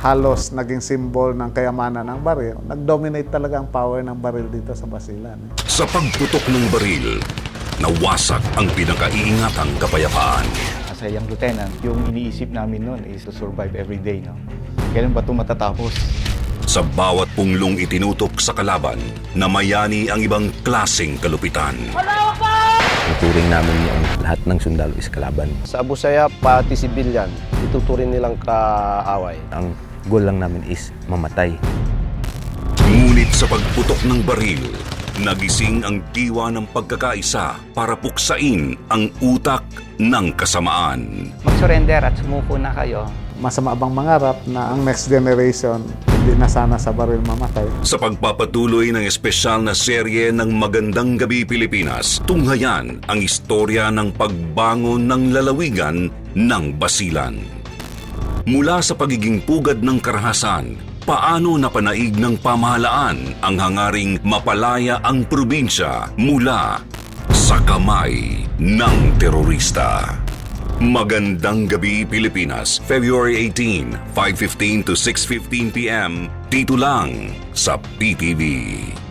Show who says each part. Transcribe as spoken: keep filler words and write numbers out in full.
Speaker 1: halos naging symbol ng kayamanan ng baril. Nag-dominate talaga ang power ng baril dito sa Basilan.
Speaker 2: Sa pagputok ng baril, nawasak ang pinakaiingatang kapayapaan.
Speaker 3: As a young lieutenant, yung iniisip namin noon is to survive every day. No? Kailan ba ito matatapos?
Speaker 2: Sa bawat punglong itinutok sa kalaban, namayani ang ibang klaseng kalupitan.
Speaker 4: Tuturing namin yung lahat ng sundalo is kalaban.
Speaker 5: Sa Abu Sayyaf, pati sibilyan, ituturing nilang kaaway.
Speaker 4: Ang goal lang namin is mamatay.
Speaker 2: Ngunit sa pagputok ng baril, nagising ang diwa ng pagkakaisa para puksain ang utak ng kasamaan.
Speaker 6: Mag-surrender at sumuko na kayo.
Speaker 1: Masama bang mangarap na ang next generation hindi na sana sa baril mamatay?
Speaker 2: Sa pagpapatuloy ng espesyal na serye ng Magandang Gabi Pilipinas, tunghayan ang istorya ng pagbangon ng lalawigan ng Basilan. Mula sa pagiging pugad ng karahasan, paano napanaig ng pamahalaan ang hangaring mapalaya ang probinsya mula sa kamay ng terorista. Magandang Gabi Pilipinas, February eighteenth, five fifteen to six fifteen p m dito lang sa P T V.